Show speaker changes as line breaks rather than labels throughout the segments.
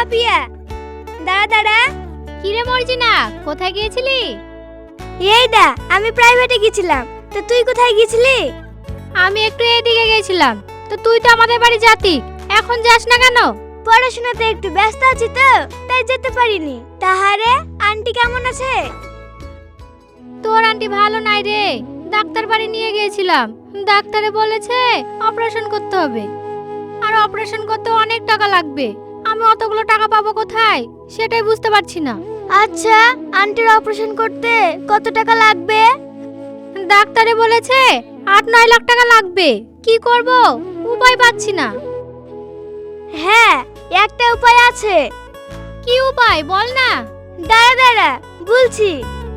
পাপিয়া, দাঁড়া দাঁড়া।
কিরে মর্জিনা, কোথায় গিয়েছিলি?
এই দা, আমি প্রাইভেটে গেছিলাম। তো তুই কোথায় গেছিলি?
আমি একটু এদিকে গেছিলাম। তো তুই তো আমাদের বাড়ি যাতি, এখন যাস না কেন?
পড়াশোনাতে একটু ব্যস্ত আছি তো, তাই যেতে পারিনি। তাহারে আন্টি কেমন আছে?
তোর আন্টি ভালো নাই রে, ডাক্তার বাড়ি নিয়ে গিয়েছিলাম। ডাক্তারে বলেছে অপারেশন করতে হবে, আর অপারেশন করতে অনেক টাকা লাগবে। আমি অতগুলো টাকা পাবো কোথায়, সেটাই বুঝতে পারছি না।
আচ্ছা, আন্টির অপারেশন করতে কত টাকা লাগবে?
ডাক্তারে বলেছে 8-9 লাখ টাকা লাগবে। কি করব, উপায় পাচ্ছি না।
হ্যাঁ, একটা উপায় আছে।
কি উপায় বল না।
দাঁড়া দাঁড়া, বলছি।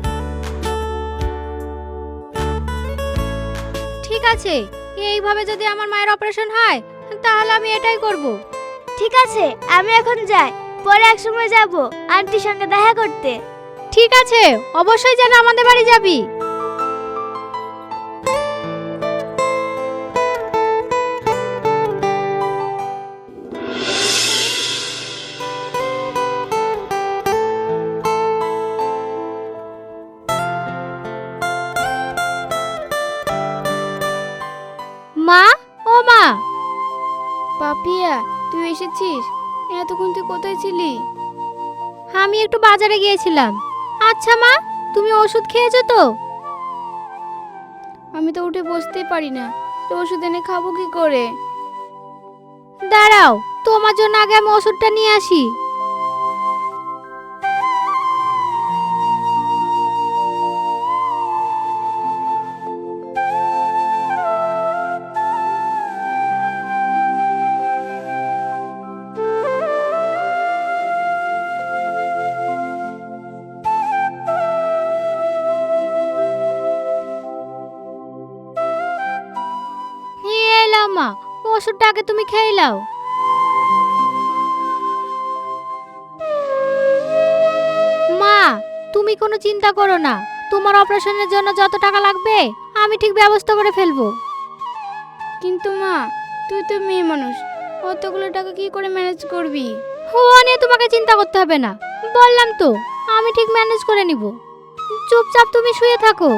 ঠিক আছে, এইভাবে যদি আমার মায়ের অপারেশন হয় তাহলে আমি এটাই করব।
ঠিক আছে, আমি এখন যাই, পরে এক সময় যাব আন্টির সঙ্গে দেখা করতে।
ঠিক আছে, অবশ্যই যেন আমাদের বাড়ি যাবি। মা, ও মা।
পাপিয়া, তুই এসেছিস? এতক্ষণ তুই কোথায় ছিলি?
আমি একটু বাজারে গিয়েছিলাম। আচ্ছা মা, তুমি ওষুধ খেয়েছো তো?
আমি তো উঠে বসতেই পারি না, তো ওষুধ এনে খাবো কি করে?
দাঁড়াও, তোমার জন্য আগে আমি ওষুধটা নিয়ে আসি। এই নাও মা, ওষুধটা আগে তুমি খেয়ে নাও। মা, তুমি কোনো চিন্তা করো না। তোমার অপারেশনের জন্য যত টাকা লাগবে আমি ঠিক ব্যবস্থা করে ফেলবো।
কিন্তু মা, তুই তো মেয়ে মানুষ, অতগুলো টাকা কি করে ম্যানেজ করবি?
ও নিয়ে তোমাকে চিন্তা করতে হবে না, বললাম তো আমি ঠিক ম্যানেজ করে নিব। চুপচাপ তুমি শুয়ে থাকো।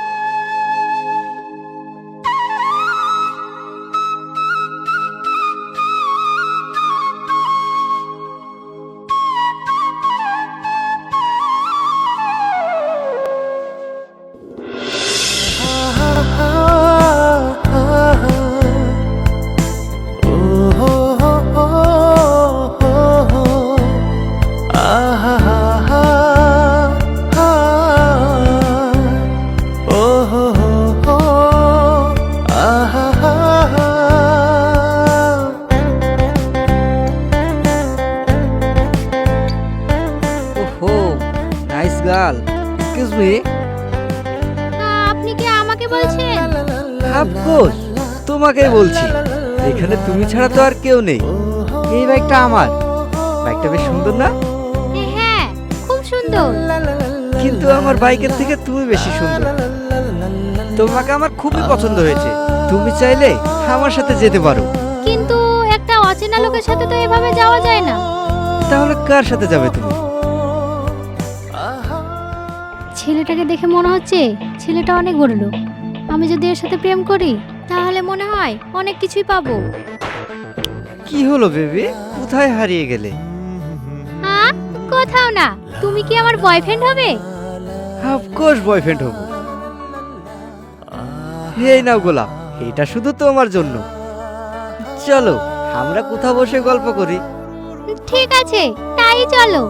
ওহো, নাইস গার্ল। Excuse me.
আপনি কি আমাকে বলছেন?
অফকোর্স, তোমাকেই বলছি। এখানে তুমি ছাড়া তো আর কেউ নেই। এই বাইকটা আমার। বাইকটা বেশ সুন্দর না?
হ্যাঁ, খুব সুন্দর।
কিন্তু আমার বাইকের থেকে তুমি বেশি সুন্দর। তোমাকে আমার খুবই পছন্দ হয়েছে। তুমি চাইলে আমার সাথে যেতে পারো।
কিন্তু একটা অচেনা লোকের সাথে তো এভাবে যাওয়া যায় না।
তাহলে কার সাথে যাবে তুমি?
ছেলেটাকে দেখে মনে হচ্ছে ছেলেটা অনেক বড় লোক। আমি যদি এর সাথে প্রেম করি তাহলে মনে হয় অনেক কিছুই পাবো।
কি হলো বেবি, কোথায় হারিয়ে গেলে?
হ্যাঁ, কোথাও না। তুমি কি আমার বয়ফ্রেন্ড হবে?
অফকোর্স বয়ফ্রেন্ড হব। এই নাও গোলাপ, এটা শুধু তোমার জন্য। চলো আমরা কোথাও বসে গল্প করি।
ঠিক আছে, তাই চলো।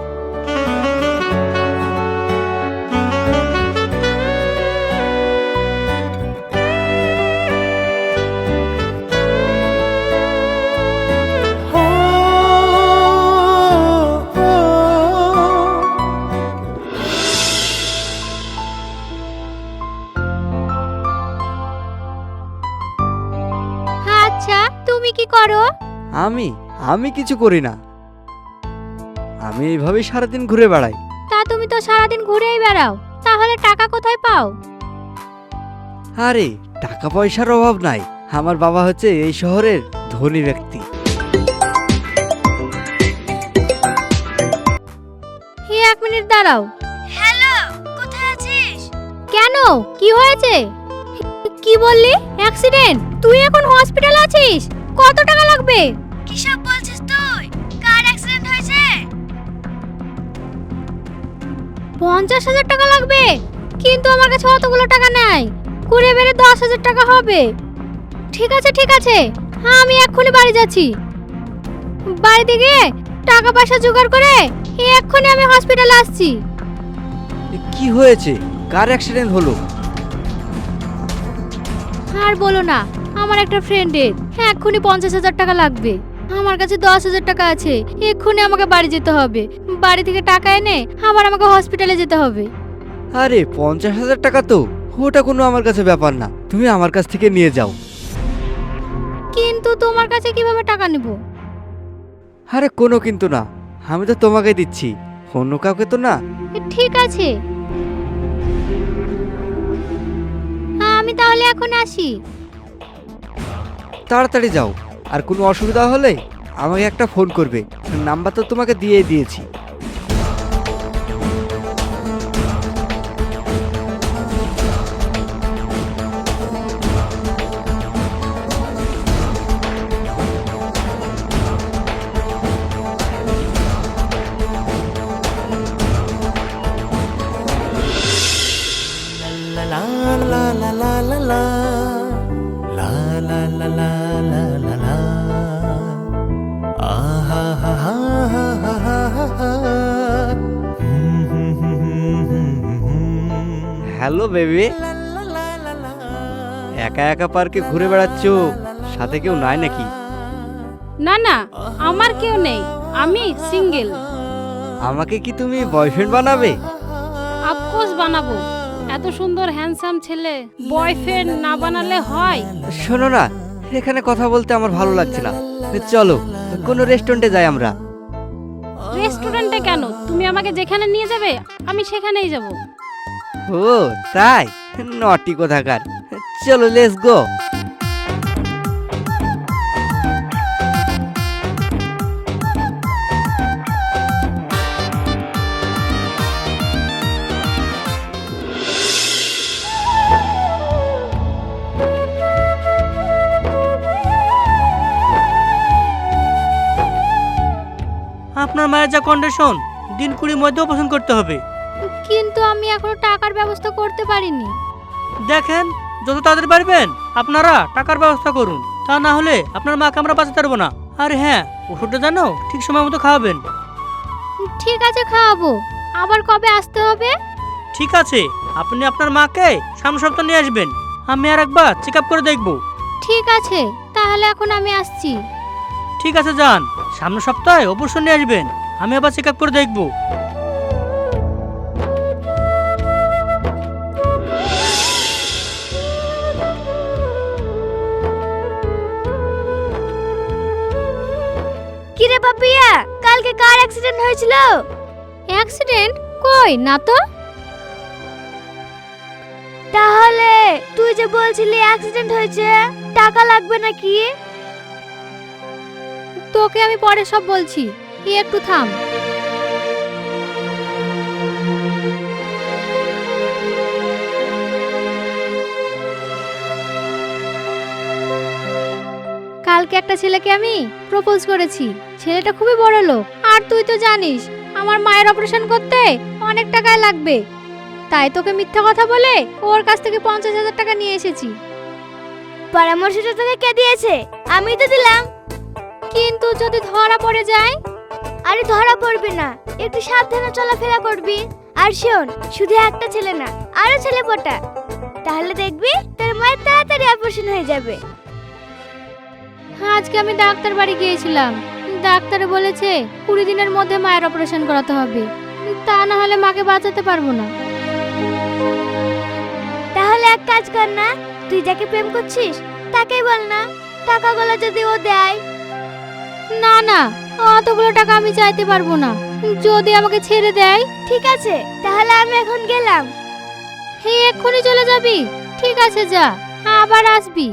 আচ্ছা, তুমি কি করো?
আমি আমি কিছু করি না। আমি এইভাবেই সারাদিন ঘুরে বেড়াই।
তা তুমি তো সারাদিন ঘুরেই বেড়াও, তাহলে টাকা কোথায় পাও?
আরে টাকা পয়সার অভাব নাই, আমার বাবা হচ্ছে এই শহরের ধনী ব্যক্তি।
দাঁড়াও।
হ্যালো, কোথায় আছিস?
কেন, কি হয়েছে? কি বললি? অ্যাক্সিডেন্ট? তুই এখন হসপিটালে আছিস? কত টাকা লাগবে?
কি সব বলছিস তুই? কার অ্যাক্সিডেন্ট হয়েছে?
50,000 টাকা লাগবে? কিন্তু আমার কাছে অতগুলো টাকা নেই, ঘুরে বেড়ে 10,000 টাকা হবে। ঠিক আছে ঠিক আছে, হ্যাঁ আমি এক্ষুনি বাড়ি যাচ্ছি। বাড়িতে গিয়ে টাকা পয়সা জোগাড় করে এক্ষুনি আমি হসপিটালে আসছি।
কি হয়েছে? কার অ্যাক্সিডেন্ট হলো?
আর বলো না, আমার একটা ফ্রেন্ডের এক্ষুনি 50,000 টাকা লাগবে। আমার কাছে 10,000 টাকা আছে, এক্ষুনি আমাকে বাড়ি যেতে হবে। বাড়ি থেকে টাকা এনে আবার আমাকে হসপিটালে যেতে হবে।
আরে 50,000 টাকা তো ওটা কোনো আমার কাছে ব্যাপার না, তুমি আমার কাছ থেকে নিয়ে যাও।
কিন্তু তোমার কাছে কিভাবে টাকা নেব?
আরে কোনো কিন্তু না, আমি তো তোমাকে দিচ্ছি, অন্য কাউকে তো না।
ঠিক আছে, আমি তাহলে এখন আসি।
তাড়াতাড়ি যাও, আর কোনো অসুবিধা হলে আমাকে একটা ফোন করবে, নাম্বার তো তোমাকে দিয়ে দিয়েছি। হ্যালো বেবি, একা একা পার্কে ঘুরে বেড়াচ্ছ, সাথে কেউ নাই নাকি?
না না, আমার কেউ নেই, আমি সিঙ্গেল।
আমাকে কি তুমি বয়ফ্রেন্ড বানাবে?
আফকোর্স বানাবো। এত সুন্দর হ্যান্ডসাম ছেলে বয়ফ্রেন্ড না বানালে হয়?
শোনো না, এখানে কথা বলতে আমার ভালো লাগছে না, চলো কোনো রেস্টুরেন্টে যাই আমরা।
রেস্টুরেন্টে কেন? তুমি আমাকে যেখানে নিয়ে যাবে আমি সেখানেই যাব।
ও তাই, নটি কোথাকার, চলো লেটস গো।
আপনার মায়ের যা কন্ডিশন, দিন 20 মধ্যে অপারেশন করতে হবে।
কিন্তু আমি এখনো টাকার ব্যবস্থা করতে পারিনি।
দেখেন, যত তাড়াতাড়ি পারবেন আপনারা টাকার ব্যবস্থা করুন, তা না হলে আপনার মাকে আমরা বাঁচাতে পারবো না। আর হ্যাঁ, ওষুধটা জানো ঠিক সময় মতো খাওয়াবেন।
ঠিক আছে, খাওয়াবো। আবার কবে আসতে হবে?
ঠিক আছে, আপনি আপনার মাকে সামনের সপ্তাহ নিয়ে আসবেন, আমি আর একবার চেক আপ করে দেখবো।
ঠিক আছে, তাহলে এখন আমি আসছি।
ঠিক আছে যান, সামনের সপ্তাহে অবশ্যই নিয়ে আসবেন, আমি আবার চেক আপ করে দেখবো।
কিরে পাপিয়া, কালকে কার অ্যাক্সিডেন্ট হয়েছিল?
অ্যাক্সিডেন্ট? কই না তো।
তাহলে তুই যে বলছিলি অ্যাক্সিডেন্ট হয়েছে, টাকা লাগবে নাকি?
তোকে আমি পরে সব বলছি, একটু থাম। কালকে একটা ছেলেকে আমি প্রপোজ করেছি, ছেলেটা খুবই বড় লোক। আর তুই তো জানিস আমার মায়ের অপারেশন করতে অনেক টাকায় লাগবে, তাই তোকে মিথ্যা কথা বলে ওর কাছ থেকে 50,000 টাকা নিয়ে এসেছি।
পরামর্শটা তোকে কে দিয়েছে? আমি তো দিলাম।
কিন্তু যদি ধরা পড়ে যায়?
আরে ধরা পড়বি না, একটু সাবধানে চলাফেরা করবি। আর শোন, শুধু একটা ছেলে না, আরো ছেলে পটা, তাহলে দেখবি তোর মায়ের তাড়াতাড়ি অপারেশন হয়ে যাবে।
আজকে আমি ডাক্তার বাড়ি গিয়েছিলাম, ডাক্তার বলেছে 20 দিনের মধ্যে মায়ের অপারেশন করাতে হবে, তা না হলে মাকে বাঁচাতে পারবো না।
তাহলে এক কাজ কর না, তুই যাকে প্রেম করছিস তাকেই বল না, টাকাগুলো যদি ও দেয়।
না না, অতগুলো টাকা আমি চাইতে পারবো না, যদি আমাকে ছেড়ে দেয়।
ঠিক আছে, তাহলে আমি এখন গেলাম।
হে, এক্ষুনি চলে যাবি? ঠিক আছে যা, আবার আসবি।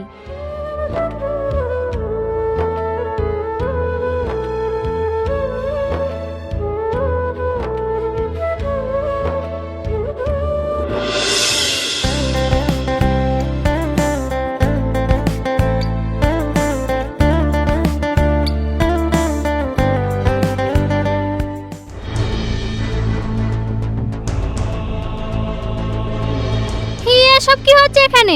এসব কি হচ্ছে এখানে?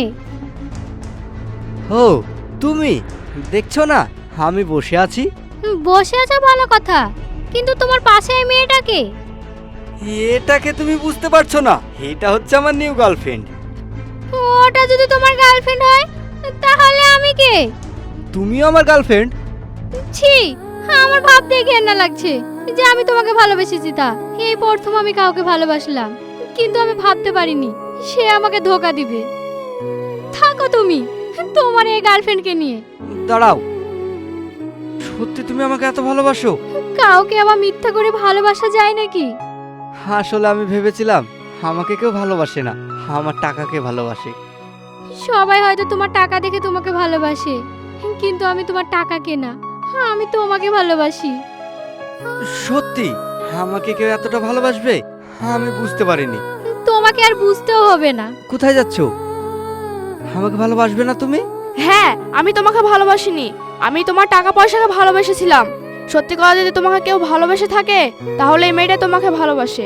ও তুমি দেখছো না আমি বসে আছি?
বসে আছো ভালো কথা, কিন্তু তোমার পাশে এই মেয়েটাকে?
এটাকে তুমি বুঝতে পারছো না? এটা হচ্ছে আমার নিউ গার্লফ্রেন্ড।
ওটা যদি তোমার গার্লফ্রেন্ড হয় তাহলে আমি কে?
তুমিও আমার গার্লফ্রেন্ড?
ছি, আমার ভাবতে ঘেন্না লাগছে যে আমি তোমাকে ভালোবেসেছি। তা এই প্রথম আমি কাউকে ভালোবাসলাম, কিন্তু আমি ভাবতে পারিনি সে আমাকে ধোকা দিবে। থাকো তুমি তোমার এই গার্লফ্রেন্ডকে নিয়ে।
দাঁড়াও, সত্যি তুমি আমাকে এত ভালোবাসো?
কাউকে আবার মিথ্যা করে ভালোবাসা যায় নাকি?
আসলে আমি ভেবেছিলাম আমাকে কেউ ভালোবাসে না, আমার টাকাকে ভালোবাসে।
সবাই হয়তো তোমার টাকা দেখে তোমাকে ভালোবাসে, কিন্তু আমি তোমার টাকাকে না, আমি তোমাকে ভালোবাসি।
সত্যি আমাকে কেউ এতটা ভালোবাসবে আমি বুঝতে পারিনি।
তোমাকে আর বুঝতেও হবে না।
কোথায় যাচ্ছো? আমাকে ভালোবাসবে না তুমি?
হ্যাঁ, আমি তোমাকে ভালোবাসিনি, আমি তোমার টাকা পয়সাকে ভালোবেসেছিলাম। সত্যি কথা যদি তোমাকে কেউ ভালোবেসে থাকে তাহলে এই মেয়েটা তোমাকে ভালোবাসে।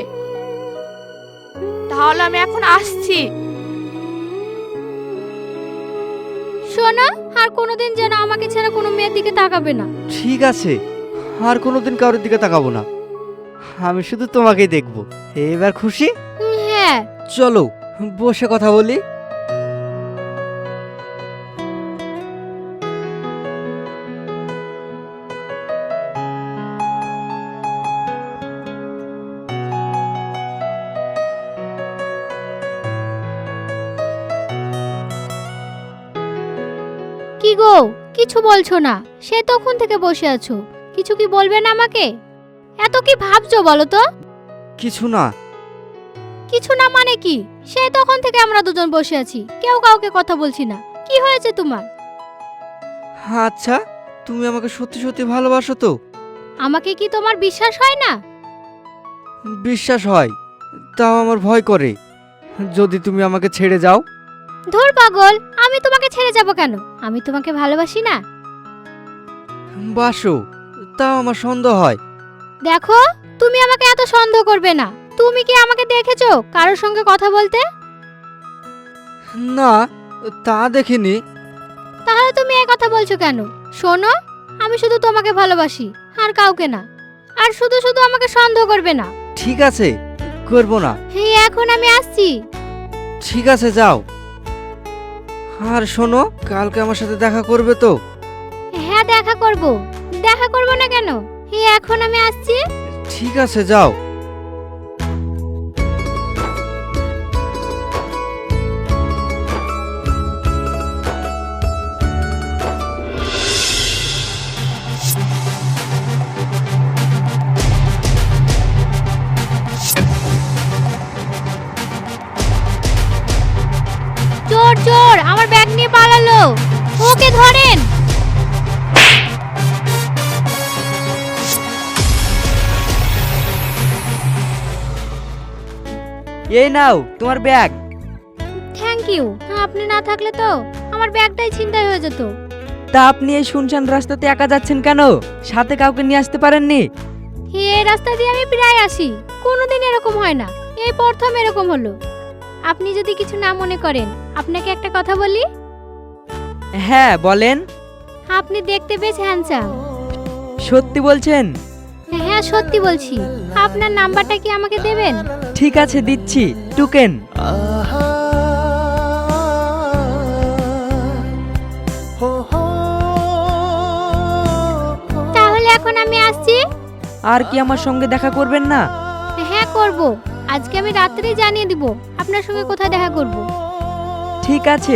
তাহলে আমি এখন আসছি।
শোনো, আর কোনোদিন যেন আমাকে ছাড়া কোনো মেয়ের দিকে তাকাবে না।
ঠিক আছে, আর কোনোদিন কারোর দিকে তাকাবো না, আমি শুধু তোমাকেই দেখবো। এবার খুশি?
হ্যাঁ।
চলো বসে কথা বলি।
কি গো, কিছু বলছো না? সে তখন থেকে বসে আছো, কিছু কি বলবে না আমাকে? এত কি ভাবছো বলো তো?
কিছু না।
কিছু না মানে কি? সে তখন থেকে আমরা দুজন বসে আছি, কেউ কাউকে কথা বলছি না। কি হয়েছে তোমার?
আচ্ছা, তুমি আমাকে সত্যি সত্যি ভালোবাসো তো?
আমাকে কি তোমার বিশ্বাস হয় না?
বিশ্বাস হয়, তাও আমার ভয় করে যদি তুমি আমাকে ছেড়ে যাও।
ধুর পাগল, আমি তোমাকে ছেড়ে যাব কেন? আমি তোমাকে ভালোবাসি না?
বাসো, তাও আমার সন্দেহ হয়।
দেখো, তুমি আমাকে এত সন্দেহ করবে না। তুমি কি আমাকে দেখেছো কারোর সঙ্গে কথা বলতে?
না, তা দেখিনি।
তাহলে তুমি এই কথা বলছো কেন? শোনো, আমি শুধু তোমাকে ভালোবাসি, আর কাউকে না। আর শুধু শুধু আমাকে সন্দেহ করবে না।
ঠিক আছে, করবো না।
হ্যাঁ, এখন আমি আসছি।
ঠিক আছে, যাও। আর শোনো, কালকে আমার সাথে দেখা করবে তো?
হ্যাঁ, দেখা করব। দেখা করব না কেন? হ্যাঁ, এখন আমি আসছি।
ঠিক আছে, যাও।
চোর চোর আমার ব্যাগ নিয়ে পালালো, ওকে ধরেন।
এই নাও তোমার ব্যাগ।
Thank you. আপনি না থাকলে তো আমার ব্যাগটাই ছিনতাই হয়ে যেত।
তা আপনি এই শুনশান রাস্তাতে একা যাচ্ছেন কেন? সাথে কাউকে নিয়ে আসতে পারেননি?
এই রাস্তা দিয়ে আমি প্রায় আসি, কোনোদিন এরকম হয় না, এই প্রথম এরকম হলো। আপনি যদি কিছু না মনে করেন, আপনাকে একটা কথা বলি।
হ্যাঁ বলেন।
আপনি দেখতে বেশ হ্যান্ডসাম।
সত্যি বলছেন?
হ্যাঁ, সত্যি বলছি। আপনার নাম্বারটা কি আমাকে দেবেন?
ঠিক আছে, দিচ্ছি, টুকেন।
তাহলে এখন আমি আসছি।
আর কি আমার সঙ্গে দেখা করবেন না?
হ্যাঁ, করব। আজকে আমি রাত্রেই জানিয়ে দিব আপনার সঙ্গে কোথায় দেখা করব।
ঠিক আছে।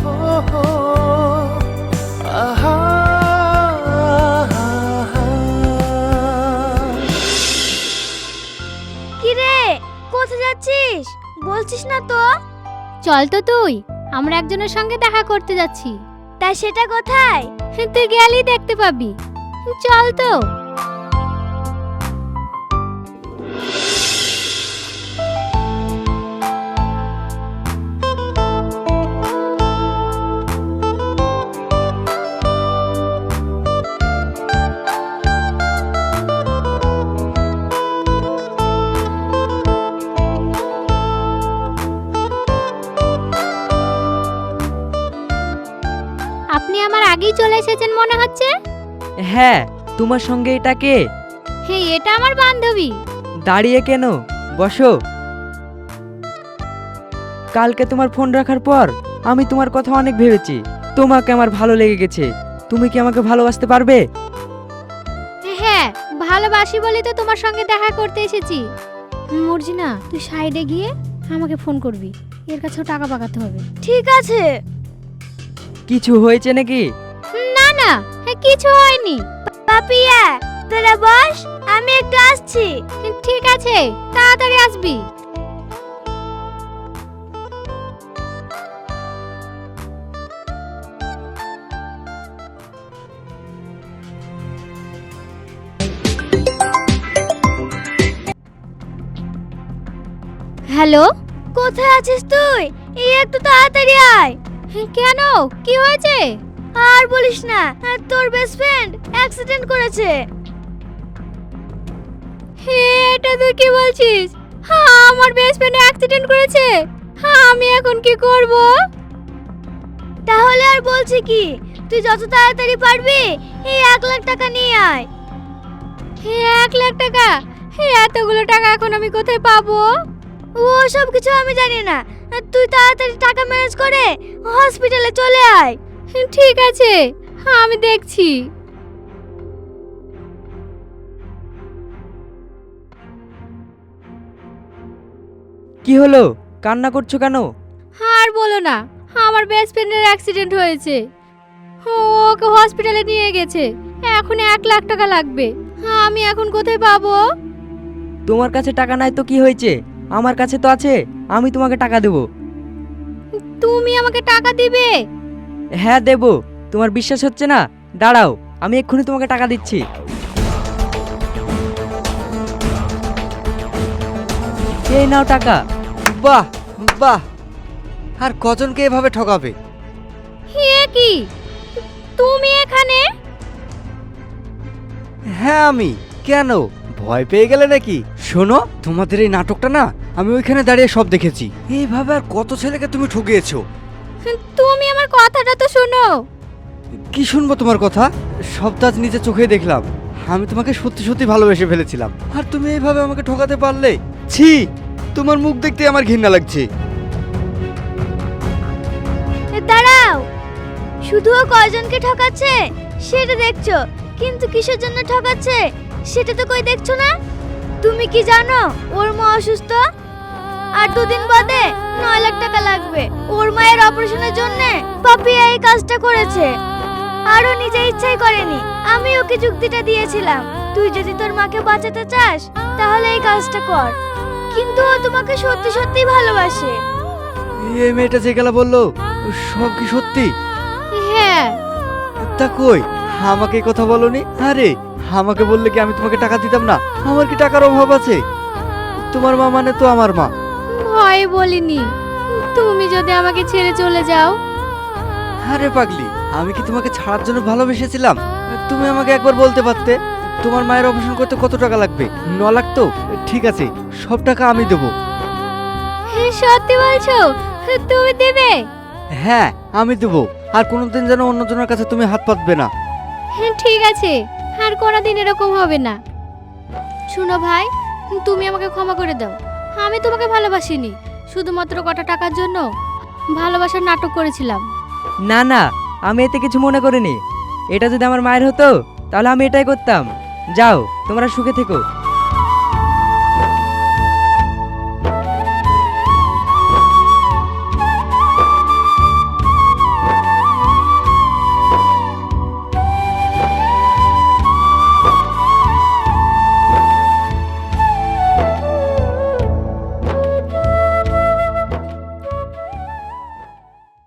কি রে, কোথায় যাচ্ছিস? বলছিস না তো?
চল তো তুই, আমরা একজনের সঙ্গে দেখা করতে যাচ্ছি।
তা সেটা কোথায়?
তুই গেলেই দেখতে পাবি। চল তো। আগেই চলে এসেছেন মনে হচ্ছে।
হ্যাঁ, তোমার সঙ্গে এটা কে?
হ্যাঁ, এটা আমার বান্ধবী।
দাঁড়িয়ে কেন, বসো। কালকে তোমার ফোন রাখার পর আমি তোমার কথা অনেক ভেবেছি। তোমাকে আমার ভালো লেগে গেছে। তুমি কি আমাকে ভালোবাসতে পারবে?
হ্যাঁ, ভালোবাসি বলে তো তোমার সঙ্গে দেখা করতে এসেছি। মর্জিনা, তুই সাইডে গিয়ে আমাকে ফোন করবি, এর কাছেও টাকা পাকাতে হবে।
ঠিক আছে।
কিছু হয়েছে নাকি?
না না, কিছু হয়নি।
পাপিয়া তোরা বস, আমি একটু আসছি।
ঠিক আছে, তাড়াতাড়ি আসবি। হ্যালো,
কোথায় আছিস তুই? এই একটু তাড়াতাড়ি আয়।
কেন, কি হয়েছে?
আর বলিস না, তোর বেস্ট ফ্রেন্ড অ্যাক্সিডেন্ট করেছে।
এটা তুই কি বলছিস? আমার বেস্ট ফ্রেন্ড অ্যাক্সিডেন্ট করেছে। আমি এখন কি করব?
তাহলে আর বলছি কি, তুই যত তাড়াতাড়ি পারবি এই 1 লাখ টাকা নিয়ে আয়।
1 লাখ টাকা? এতগুলো টাকা এখন আমি কোথায় পাবো?
ও সব কিছু আমি জানি না, তুই তাড়াতাড়ি টাকা ম্যানেজ করে হসপিটালে চলে আয়।
ঠিক আছে, আমি দেখছি।
কি হলো, কান্না করছো কেন?
আর বলো না, আমার বেস্ট ফ্রেন্ডের অ্যাক্সিডেন্ট হয়েছে। ওকে হসপিটালে নিয়ে গেছে, এখন 1 লাখ টাকা লাগবে। আমি এখন কোথায় পাবো?
তোমার কাছে টাকা নাই তো কি হয়েছে, আমার কাছে তো আছে। আমি তোমাকে টাকা দেবো।
তুমি আমাকে টাকা দিবে?
হ্যাঁ দেবো। তোমার বিশ্বাস হচ্ছে না? দাঁড়াও, আমি এক্ষুনি তোমাকে টাকা দিচ্ছি। এই নাও টাকা।
বাহ বাহ, আর কজনকে এভাবে ঠকাবে?
হে কি, তুমি এখানে?
হ্যাঁ আমি। কেন, ভয় পেয়ে গেলে নাকি? শোনো, তোমাদের এই নাটকটা না আমি ওইখানে দাঁড়িয়ে সব দেখেছি। এইভাবে আর কত ছেলেকে তুমি ঠকিয়েছো।
তুমি আমার কথাটা তো শোনো।
কি শুনবো তোমার কথা? সব তো আজ নিজে চোখে দেখলাম। আমি তোমাকে সত্যি সত্যি ভালোবেসে ফেলেছিলাম, আর তুমি এইভাবে আমাকে ঠকাতে পারলে? ছি, তোমার মুখ দেখতে আমার ঘৃণা লাগছে।
দাঁড়াও, শুধু ও কয়জনকে ঠকাচ্ছে সেটা দেখছো, কিন্তু কিসের জন্য ঠকাচ্ছে সেটা তো কই দেখছো না। তুমি কি জানো ওর মা অসুস্থ, আর 2 দিন বাদে 9 লাখ টাকা লাগবে। ওর মায়ের অপারেশনের জন্য পাপিয়া এই কাজটা করেছে, আর ও নিজে ইচ্ছাই করেনি। আমি ওকে যুক্তিটা দিয়েছিলাম, তুই যদি তোর মাকে বাঁচাতে চাস তাহলে এই কাজটা কর, কিন্তু ও তোমাকে সত্যি সত্যি ভালোবাসে।
এই মেয়েটা যে গেলা বললো সব কি সত্যি?
হ্যাঁ।
তা কই, আমাকে এই কথা বলনি? আরে আমাকে বললে কি আমি তোমাকে টাকা দিতাম না? আমার কি টাকার অভাব আছে? তোমার মা মানে তো আমার মা।
ভয় বলিনি, তুমি যদি আমাকে ছেড়ে চলে যাও।
আরে পাগলি, আমি কি তোমাকে ছাড়ার জন্য ভালোবেসেছিলাম? তুমি আমাকে একবার বলতে পারতে তোমার মায়ের অপারেশন করতে কত টাকা লাগবে। 9 লাখ তো? ঠিক আছে, সব টাকা আমি দেবো।
সত্যি বলছো? তুমি দেবে?
হ্যাঁ আমি দেবো, আর কোনোদিন যেন অন্যজনের কাছে তুমি হাত পাতবে না।
ঠিক আছে, আর কোনোদিন এরকম হবে না। শুনো ভাই, তুমি আমাকে ক্ষমা করে দাও। আমি তোমাকে ভালোবাসিনি, শুধুমাত্র কটা টাকার জন্য ভালোবাসার নাটক করেছিলাম।
না না, আমি এতে কিছু মনে করিনি। এটা যদি আমার মায়ের হতো তাহলে আমি এটাই করতাম। যাও, তোমরা সুখে থেকো।